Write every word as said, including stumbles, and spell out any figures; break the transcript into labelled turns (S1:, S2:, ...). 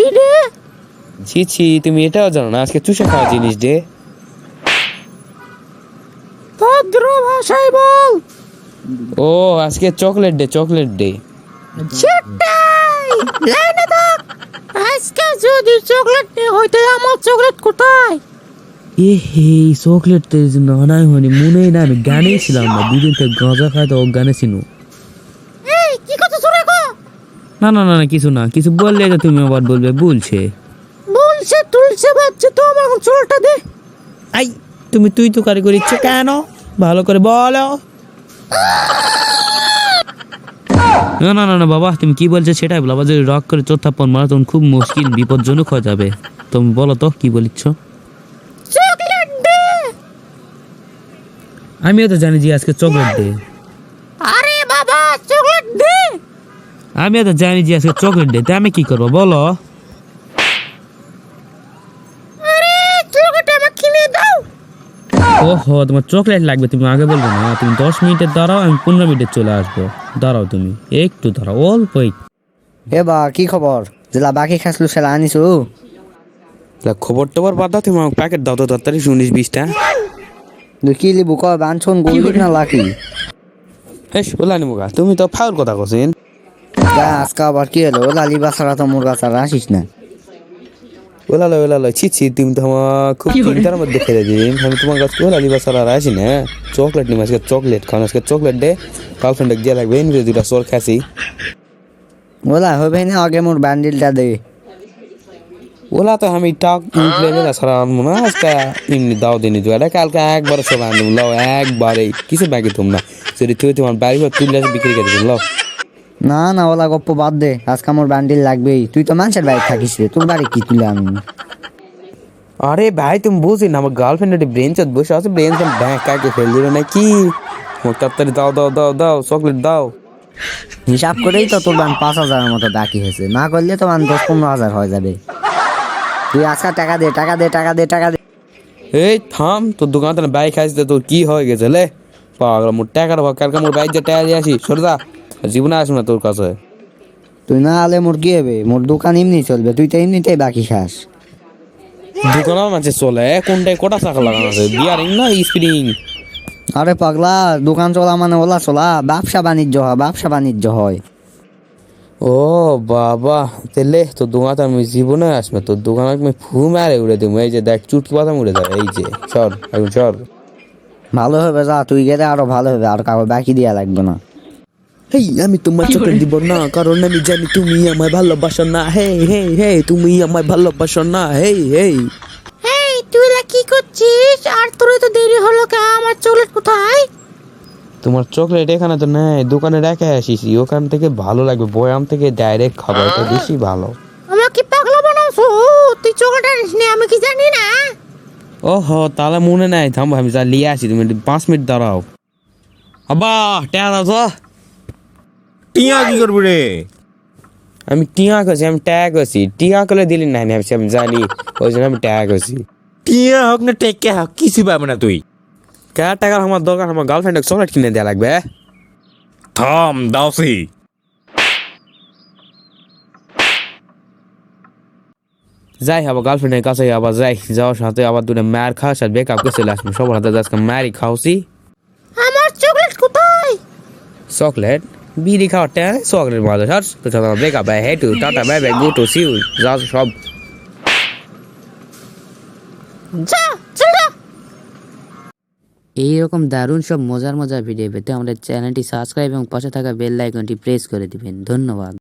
S1: কি রে?
S2: ছি ছি, তুমি এটাও জানো না আজকে চুষে খাওয়া জিনিস ডে।
S1: ভদ্র ভাষায় বল।
S2: ও আজকে চকলেট ডে, চকলেট ডে।
S1: সেটাই, লাইনে থাক। আজকে যদি চকলেট ডে হইতে আমার চকলেট কোথায়?
S3: এ হে চকলেট তো না নাই হয়নি মনেই না, আমি গানে ছিলাম না, দুদিন থেকে গাঁজা খাই তো গানে ছিল।
S1: এই কি কথা শুনে গো?
S3: না না না না, কিছু না, কিছু বললে তো তুমি আবার বলবে বলছে।
S1: বলছে তুলছে বাচ্চা, তো আমার এখন চুলটা দে।
S3: আই তুমি তুই তো কারি করিচ্ছ কেন, ভালো করে বলো। না না না না বাবা, তুমি কি বলছো সেটাই বলো। আবার যদি রাগ করে চোর থাপ্পড় মারো তখন খুব মুশকিল, বিপজ্জনক হয়ে যাবে। তুমি বলো তো কি বলিচ্ছ।
S1: চকলেট দে।
S3: আমিও তো জানি যে আজকে চকলেট ডে।
S1: আরে বাবা চকলেট দে।
S3: আমিও তো জানি যে আজকে চকলেট ডে, তাই আমি কি করবো বলো।
S1: আরে চকলেট আমাকে কিনে দাও।
S3: ওহো তোমার চকলেট লাগবে, তুমি আগে বলবে না। তুমি দশ মিনিটের দাঁড়াও, আমি পনেরো মিনিটে চলে আসবো। দাঁড়াও তুমি একটু দাঁড়াও, অল্প একটু।
S4: এ বা কি খবর, যেলা বাকি খাসলু সেলা আনিছো?
S2: খবর টবর বাদ দাও, তুমি আমাকে প্যাকেট দাও তো তাড়াতাড়ি, উনিশ বিশটা।
S4: তুই কি লিবু ক, বানছন গোল্ডিক না লাকি?
S2: হেস ওলা নিবো গা, তুমি তো ফাউল কথা কছেন।
S4: যা আজকে আবার কি হলো, লালি বাসারা তো মুরগা ছাড়া আসিস না।
S2: ওলা লয় ওলা লয়, ছি ছি, তুমি তো আমার খুব চিন্তার মধ্যে ফেলে দিন। আমি তোমার কাছে ওলা লিবা সারা আসি না। চকলেট নিম আজকে, চকলেট খান আজকে, চকলেট ডে। গার্লফ্রেন্ডে গিয়ে লাগবে এনে দুটা চোর খাসি।
S4: ওলা হবে না, আগে মোর ব্যান্ডেলটা দে।
S2: ওলা তো আমি টাক ইনফ্লুয়েন্সার ছাড়া আনবো না আজকে, এমনি দাও দিনই তো এটা কালকে একবারে সব আনবো, লাও একবারে কিছু বাকি তোমরা যদি তুই তোমার বাড়ি ঘর তুললে বিক্রি করে দিন, লাও।
S4: না না ওলা গপ্প বাদ দে, আজকে মোর ব্যান্ডেল লাগবেই। তুই তো মানুষের বাড়ি থাকিস রে, তোর বাড়ি কি তুলে আমি?
S2: আরে ভাই তুমি বুঝি না, আমার গার্লফ্রেন্ড একটি ব্রেঞ্চত বসে আছে, ব্রেঞ্চ ব্যাংক কাকে ফেল দিবে নাকি? আমার তাড়াতাড়ি দাও দাও দাও দাও চকলেট দাও।
S4: হিসাব করেই তো তোর বান পাঁচ হাজারের মতো বাকি হয়েছে, না করলে তো বান দশ পনেরো হাজার হয়ে যাবে। তুই আজকে টাকা দে, টাকা দে, টাকা দে, টাকা দে।
S2: এই থাম, তোর দোকান থেকে বাইক আসতে তোর কি হয়ে গেছে লে? পাগল, মোর টাকার ভাগ কালকে মোর বাইক যে টাকা দিয়ে আসি, সরদা জীবনে আসবো না তোর কাছে।
S4: তুই না আলে মোর কি হবে, মোর দোকান এমনি চলবে, তুই তো এমনিতেই বাকি খাস।
S2: দোকানের মাঝে চলে কোনটায় কটা চাকা লাগানো আছে, বিয়ারিং না স্প্রিং?
S4: আরে পাগলা, দোকান চলা মানে ওলা চলা, ব্যবসা বাণিজ্য হয়, ব্যবসা বাণিজ্য হয়।
S2: ও বাবা, তেলে তোর দোকানে আমি জীবনে আসবে, তোর দোকানে আমি ফু মারে উড়ে দেবো। এই যে দেখ চুটকি পাতাম উড়ে যাবে, এই যে সর এখন সর।
S4: ভালো হবে, যা তুই গেলে আরো ভালো হবে, আর কাউকে বাকি দেওয়া লাগবে না।
S2: হেই আমি তোমার চকলেট দিব না, কারণ আমি জানি তুমি আমায় ভালোবাসো না। হে হে হে, তুমি আমায় ভালোবাসো না। হেই হেই
S1: এই তুই লা কি করছিস? আর তোর তো দেরি হলো কে? আমার চকলেট কোথায়?
S2: তোমার চকলেট এখানে তো নেই, দোকানে রেখে আসিস, ওখান থেকে ভালো লাগবে, বয়াম থেকে ডাইরেক্ট খাবার, এটা বেশি ভালো।
S1: আমাকে পাগলা বানাওছো? তুই চকলেট আনিস নি, আমি কি জানি না?
S2: ওহো তাহলে মনে নাই, থামবো আমি যা লিয়ে আসি, তুমি একটু পাঁচ মিনিট দাঁড়াও। আবা টেয়া দাও তো।
S5: টিয়া কি করবি রে?
S2: আমি টিয়া করছি, আমি ট্যাগ আছি, টিয়া করে দিলি না আমি আমি জানি, ওই জন্য আমি ট্যাগ আছি।
S5: টিয়া হোক না টেকে হোক, কিছু পাবে না তুই।
S2: কে টাকার আমার দরকার, আমার গার্লফ্রেন্ডকে চকলেট কিনে দেওয়া লাগবে।
S5: থাম দাওসি।
S2: যাই আবার গার্লফ্রেন্ডের কাছে আবার যাই, যাওয়ার সাথে আবার দুটো ম্যার খাওয়ার সাথে বেকআপ করে চলে আসবো, সবার হাতে আজকে ম্যারই খাওয়াছি।
S1: আমার চকলেট কোথায়?
S2: চকলেট বিড়ি খাওয়ার টাইম চকলেট মাঝে সর, তো তোমার বেকআপ বাই হেটু tata bye bye go to সিউ যা সব।
S1: যা চল যা।
S6: এইরকম দারুণ সব মজার মজার ভিডিও পেতে আমাদের চ্যানেলটি সাবস্ক্রাইব এবং পাশে থাকা বেল আইকনটি প্রেস করে দিবেন। ধন্যবাদ।